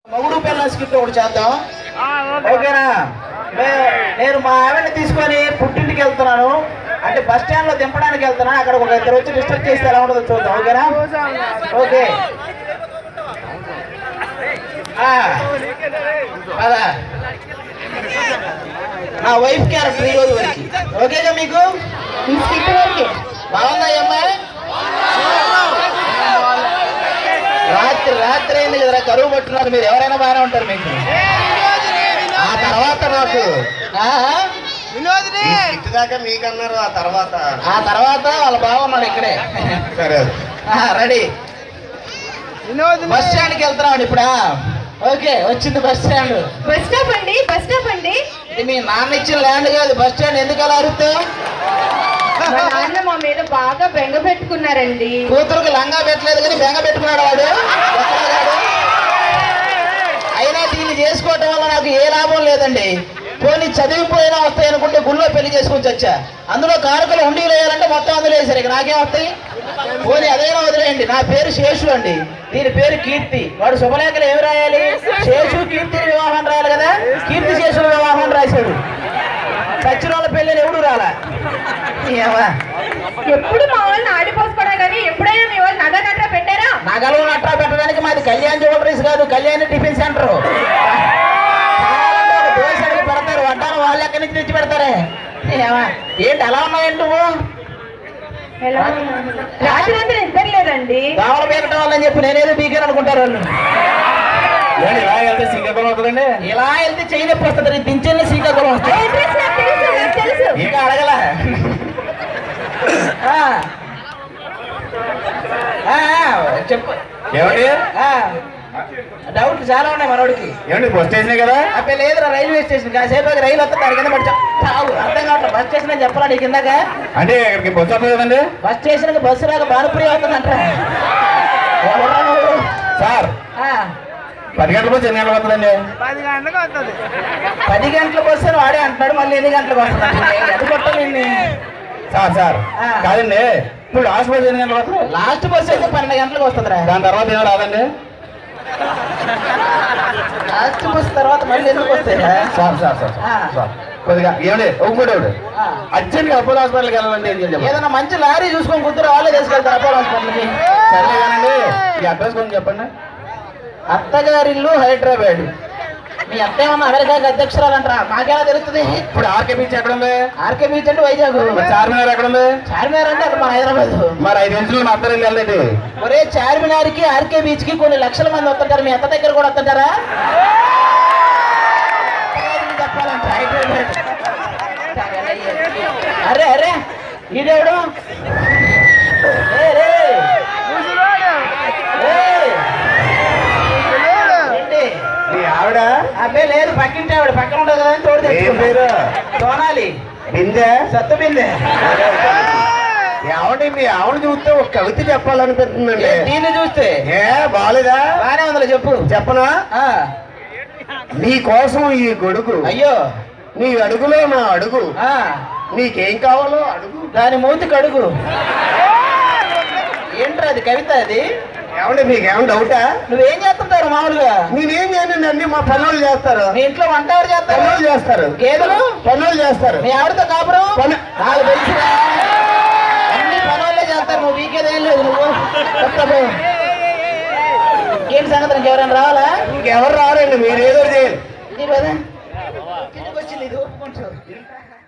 మగుడు పిల్లల స్కిట్ ఒకటి చేద్దాం, ఓకేనా? నేను మా ఆవిడని తీసుకొని పుట్టింటికి వెళ్తున్నాను, అంటే బస్ స్టాండ్ లో దింపడానికి వెళ్తున్నాను. అక్కడ ఒక ఇద్దరు వచ్చి డిస్టర్బ్ చేస్తే ఎలా ఉంటుందో చూద్దాం, ఓకేనా? ఓకే అదా నా వైఫ్ క్యారెక్టర్ ఈ రోజు వరకు ఓకేగా మీకు? బాగుందా అమ్మాయి? రాత్రి అయింది కదరా, కరువు పట్టున్నారు. మీరు ఎవరైనా బాగానే ఉంటారు మీకు. ఆ తర్వాత నాకు దాకా మీకన్నారు, ఆ తర్వాత వాళ్ళ బాగున్నాడు ఇక్కడే. సరే రెడీ. బస్ స్టాండ్కి వెళ్తున్నాం ఇప్పుడా? ఓకే వచ్చింది బస్ స్టాండ్. బస్ స్టాప్ అండి, బస్ స్టాప్ అండి. ఇది మీ నాన్న ఇచ్చిన ల్యాండ్ కాదు, బస్ స్టాండ్. ఎందుకు అలా అరుస్తావు? మా నాన్న మా మీద బాగా బెంగ పెట్టుకున్నారండి. కూతురుకి లంగా పెట్టలేదు కానీ బెంగ పెట్టుకున్నాడు వాడు. అయినా దీన్ని చేసుకోవటం వల్ల నాకు ఏ లాభం లేదండి. పోనీ చదివిపోయినా వస్తాయి అనుకుంటే గుళ్ళో పెళ్లి చేసుకొని వచ్చా. అందులో కారకులు ఉండీలు వేయాలంటే మొత్తం అందులో వేసారు. ఇక నాకేం వస్తాయి? పోనీ అదైనా వదిలేయండి. నా పేరు శేషు అండి, దీని పేరు కీర్తి. వాడు శుభలేఖలు ఏమి రాయాలి? శేషు కీర్తి వివాహం రాయాలి కదా. కీర్తి శేషుల వివాహం రాశాడు. సచిన వాళ్ళ పెళ్ళిని ఎవడు రాలా. ఎప్పుడు మా వాళ్ళని ఆడిపోసుకోవడం కానీ ఎప్పుడైనా మీ వాళ్ళు నగ నట్రా పెట్టారా? నగలు నట్రా పెట్టడానికి మాది కళ్యాణ్ జ్యువెలరీస్ కాదు, కళ్యాణ్ టిఫిన్ సెంటర్. దోశకి పెడతారు, వడ్డాను వాళ్ళు ఎక్కడి నుంచి తెచ్చి పెడతారే. ఏంటి అలా ఉన్నాయండి నువ్వు? రాత్రి అంతా నిద్ర లేదండి. దోమలు పీకటం వాళ్ళని చెప్పి నేనేదో బీకాను అనుకుంటారు వాళ్ళు. ఇలా వెళ్తే శ్రీకాకుళం అవుతుందండి. ఇలా వెళ్తే చెయ్యి నొప్పి వస్తుంది. దించెల్ని శ్రీకాకుళం వస్తుంది. ఇంకా అడగల. చెప్పు ఏమండి? డౌట్ చాలా ఉన్నాయి మనోడికి. ఏమండి బస్ స్టేషన్ కదా? అప్పుడు లేదురా, రైల్వే స్టేషన్. కాసేపు రైలు వస్తుంది, దాని కింద పడి చావు. అర్థం కావట్లేదు. బస్ స్టేషన్ అని చెప్పాలా నీకు ఇందాక? అంటే ఇక్కడికి బస్సు వస్తుంది కదండి. బస్ స్టేషన్ కి బస్సు రాక భానుప్రియ అవుతుందంట. సార్ 10 గంటల బస్సు ఎన్ని గంటలకు వస్తుందండి? 10 గంటలకు వస్తుంది. 10 గంటలకు వస్తే వాడే అంటున్నాడు, మళ్ళీ ఎన్ని గంటలకు వస్తుంది? అది కొట్టాలి సార్. కాదండి, ఇప్పుడు లాస్ట్ బస్సు ఎన్ని గంటలకు వస్తుంది? లాస్ట్ బస్సు అయితే 12 గంటలకు వస్తుంది. దాని తర్వాత ఏమో రాదండి. లాస్ట్ బస్సు తర్వాత మళ్ళీ ఎందుకు వస్తాయి? సార్ కొద్దిగా ఏమండి ఒకటి అర్జెంట్గా అపోలో హాస్పిటల్కి వెళ్ళాలండి. ఏదైనా మంచి లారీ చూసుకొని కూతురు వాళ్ళే తీసుకెళ్తారు అపోలో హాస్పిటల్కి. సరే కానండి, ఈ అడ్రస్ కొంచెం చెప్పండి. అత్తగారిల్లు హైదరాబాద్. మీ అత్త ఏమన్నా అమెరికాకి అధ్యక్షురాలు అంటారా? మాకెలా తెలుస్తుంది? ఇప్పుడు ఆర్కే బీచ్ ఎక్కడ ఉంది? ఆర్కే బీచ్ అంటే వైజాగ్. చార్మినార్ ఎక్కడ ఉంది? చార్మినార్ అంటే అక్కడ మన హైదరాబాద్. మరి 5 నిమిషాలు మా అత్తగారు వెళ్ళండి. ఒరే చార్మినార్ కి ఆర్కే బీచ్ కి కొన్ని లక్షల మంది వస్తుంటారు. మీ అత్త దగ్గర కూడా వస్తుంటారా? చెప్పాలంట హైదరాబాద్. అరే ఈడేవుడు ఆవిడ అబ్బే లేదు, పక్కింటి ఆవిడ. పక్కన ఉండదు కదా అని తోడు తెచ్చుకుంటారు. సోనాలి బిందె, సత్తు బిందె. ఆవిడ మీ ఆవిడ చూస్తే ఒక కవిత చెప్పాలనిపిస్తుందండి. దీన్ని చూస్తే బాగాలేదా? బాగానే ఉందా చెప్పు. చెప్పనా? నీ కోసం ఈ గొడుగు, అయ్యో నీ అడుగులో నా అడుగు, నీకేం కావాలో అడుగు, దాని మూతికి అడుగు. ఏంట్రా అది కవిత? అది ఏమంటే మీకేమన్నా డౌటా? నువ్వేం చేస్తుంటారు మామూలుగా? నేనేం చేయనండి, అన్ని మా పనులు చేస్తారు. మీ ఇంట్లో వంట ఎవరు చేస్తారు? పనులు చేస్తారు. గేదెలు పనులు చేస్తారు. మీ ఆవిడతో కాపురం నాకు తెలుసురా, అన్ని పనులే చేస్తారు. నువ్వు వీకేదేం లేదు. నువ్వు ఏంటి సంగతి? ఇంకెవరైనా రావాలా? ఇంకెవరు రావాలండి, మీరు ఏదో చేయాలి. వచ్చింది ఇది ఒప్పుకుంటారు.